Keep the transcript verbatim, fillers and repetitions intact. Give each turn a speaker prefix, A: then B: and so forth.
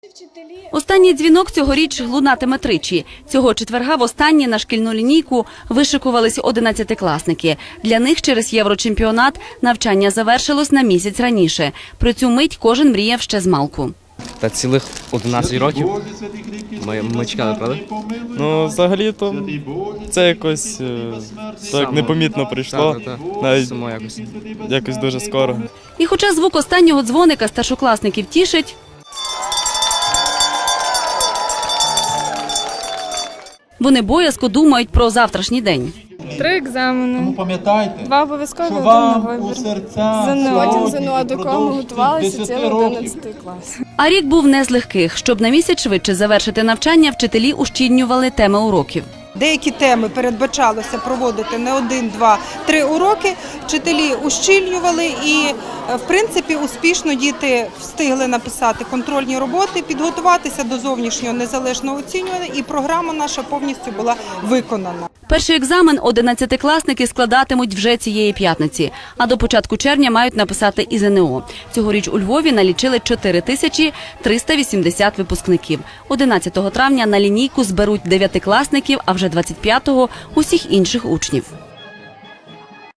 A: Останній дзвінок цьогоріч лунатиме тричі. Цього четверга востаннє на шкільну лінійку вишикувались одинадцятикласники. Для них через єврочемпіонат навчання завершилось на місяць раніше. Про цю мить кожен мріяв ще змалку.
B: Та цілих одинадцять років ми, ми чекали, правда?
C: Ну, взагалі-то це якось так непомітно прийшло,
B: Так, так, так.
C: навіть
B: Само якось.
C: якось дуже скоро.
A: І хоча звук останнього дзвоника старшокласників тішить, вони боязко думають про завтрашній день.
D: Три екзамени,
E: Пам'ятайте,
D: два обов'язкові,
E: що
D: один на
E: вам у
D: вибір.
E: серця
D: ЗНО.
E: сьогодні
D: ЗНО, а до кого ми
E: впродовж
D: готувалися
E: десяти
D: цілий
E: років.
D: одинадцятий клас.
A: А рік був не з легких. Щоб на місяць швидше завершити навчання, вчителі ущільнювали теми уроків.
F: Деякі теми передбачалося проводити не один, два, три уроки. Вчителі ущільнювали і, в принципі, успішно діти встигли написати контрольні роботи, підготуватися до зовнішнього незалежного оцінювання, і програма наша повністю була виконана.
A: Перший екзамен одинадцятикласники складатимуть вже цієї п'ятниці, а до початку червня мають написати і ЗНО. Цьогоріч у Львові налічили чотири тисячі триста вісімдесят випускників. одинадцятого травня на лінійку зберуть дев'ятикласників, а вже двадцять п'ятого – усіх інших учнів.